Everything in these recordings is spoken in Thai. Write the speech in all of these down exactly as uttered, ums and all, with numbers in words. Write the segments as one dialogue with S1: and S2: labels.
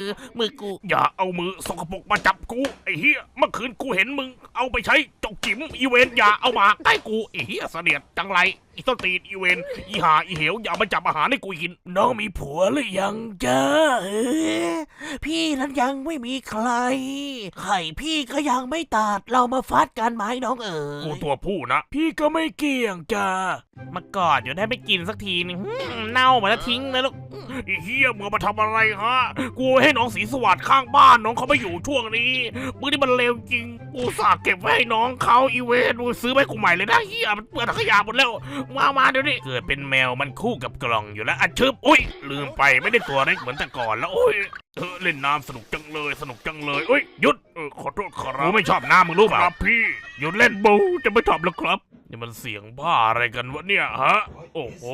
S1: มือกู
S2: อย่าเอามือสกปรกมาจับกูไอ้เหี้ยเมื่อคืนกูเห็นมึงเอาไปใช้จกจิ๋มอีเวนอย่าเอามาใกล้กูไอ้เหี้ยเสนียดจังไรอีต้นตีนอีเวนอีหาอีเหวอย่ามาจับอาหารให้กูกินน้องมีผัวหรือยังจ้า
S1: เออพี่นั้นยังไม่มีใครไข่พี่ก็ยังไม่ตัดเรามาฟัดกันไหมน้องเอ๋
S2: กู
S1: ย
S2: ตัวผู้นะพี่ก็ไม่เกี่ยงจ้าม
S1: ากอดอยู่ได้ไม่กินสักทีนึงหืมเน่าหมดแล้วทิ้งนะลูก
S2: ไอ้เหี้ยมึงมาทำอะไรฮะกูให้น้องสีสวัสดิ์ข้างบ้านน้องเขาไม่อยู่ช่วงนี้มึงนี่มันเลวจริงกูฝากเก็บไว้ให้น้องเขาอีเวนมึงซื้อไปกูใหม่เลยนะเหี้ยมันเปื้อนถังขยะหมดแล้วมามาเดี๋ยวนี้เกิดเป็นแมวมันคู่กับกล่องอยู่แล้วอ่ะชึบอุ้ยลืมไปไม่ได้ตัวเล็กเหมือนแต่ก่อนแล้วโอ้ยเออเล่นน้ำสนุกจังเลยสนุกจังเลยเอ้ยหยุดเออขอโทษครับกูไม่ชอบน้ำมึงรู้เปล่าครับพี่หยุดเล่นบูจะไม่ชอบแล้วครับนี่มันเสียงบ้าอะไรกันวะเนี่ยฮะโอ้โห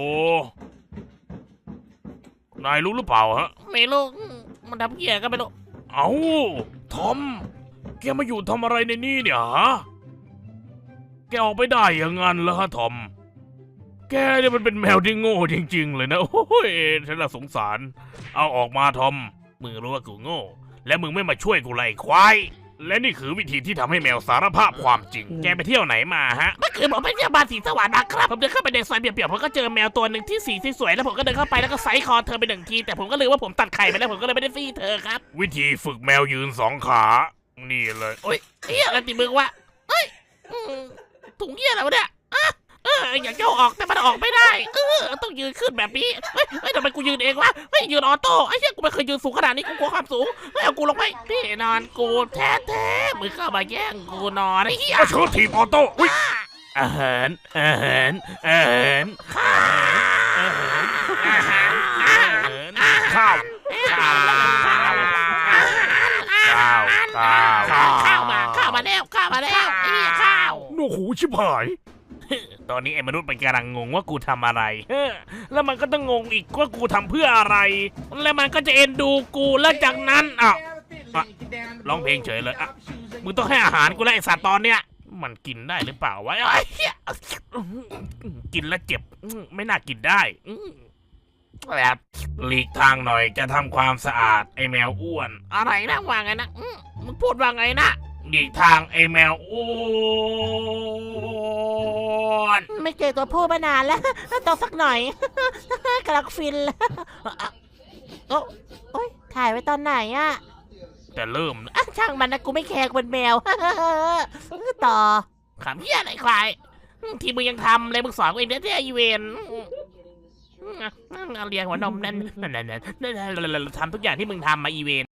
S2: นายรู้หรือเปล่าฮะ
S1: ไม่รู้มันทำเหี้ยก็ไม่รู้
S2: เอาทอมแกมาอยู่ทำอะไรในนี่เนี่ยฮะแกออกไปได้ยังงั้นเหรอฮะทอมแกเนี่ยมันเป็นแมวที่โง่จริงๆเลยนะโอ้ยฉันละสงสารเอาออกมาทอมมึงรู้ว่ากูโง่และมึงไม่มาช่วยกูไล่ควายและนี่คือวิธีที่ทำให้แมวสารภาพความจริงแกไปเที่ยวไหนมาฮะ
S1: เมื่อคืนผมไปเที่ยวบ้านสีสวรรค์นะครับผมเดินเข้าไปในซอยเปียกๆผมก็เจอแมวตัวหนึ่งที่สีที่สวยแล้วผมก็เดินเข้าไปแล้วก็ไซส์คอเธอไปหนึ่งทีแต่ผมก็ลืมว่าผมตัดไข่ไปแล้วผมก็เลยไม่ได้ซี่เธอครับ
S2: วิธีฝึกแมวยืนสองขา นี่เลย
S1: โอ้ยเฮียอะไรติมึงวะเฮ้ยอืมถุงเฮียอะไรวะเนี่ยอ่ะเอออยากจะเอาออกแต่มันออกไม่ได้เออต้องยืนขึ้นแบบนี้เฮ้ยเฮ้ยทำไมกูยืนเองวะเฮ้ยยืนออโต้ไอ้เหี้ยกูไม่เคยยืนสูงขนาดนี้กูกลัวความสูงเฮ้ยเอากูลงไปพี่นอนกูแท้แท้ๆมึงเข้ามาแย่งกูนอนไอ้เหี้ย
S2: ก็เชิญทีมออโต้อุ้ย
S1: อาหารอาหารอาหารข้าวอาหารอาหารอาหาร
S2: ข้าว
S1: ข้าวข้าวข้าว
S2: ข้าวข้าว
S1: ข้าวมาข้าวมาแล้วข้าวมาแล้วไอ้เหี้ยข้าว
S2: โอ้โหชิบหาย ตอนนี้ไอ้มนุษย์มันกำลังงงว่ากูทำอะไรเออแล้วมันก็ต้องงงอีกว่ากูทำเพื่ออะไร แล้วมันก็จะเอ็นดูกูแล้วจากนั้นอ่ะอ่ะร้องเพลงเฉยเลยอ่ะมึงต้องให้อาหารกูแล้วไอ้สัตว์ตอนเนี้ยมันกินได้หรือเปล่าวะไอ้เหี้ยกินแล้วเจ็บไม่น่ากินได้แบบหลีกทางหน่อยจะทำความสะอาดไอ้แมวอ้วน
S1: อะไรนะว่าไงนะอื้อมึงพูดว่าไงนะ
S2: หลีกทางไอ้แมวอ้วน
S1: ไม่เจอตัวผู้มานานแล้วต้องสักหน่อย กำลังฟินแล้วโอ้โอ้ยถ่ายไว้ตอนไหนอะ
S2: แต่เริ่มนะ
S1: อ่ะช่างมันนะกูไม่แคร์กูเป็นแมว ต่อขำเหี้ยอะไรควายที่มึงยังทำเลยมึงสอนกูเองเนี่ยที่ไอเวนเรียงหัวนมนั่นนั่นนั่นนั่นทำทุกอย่างที่มึงทำมาอีเวน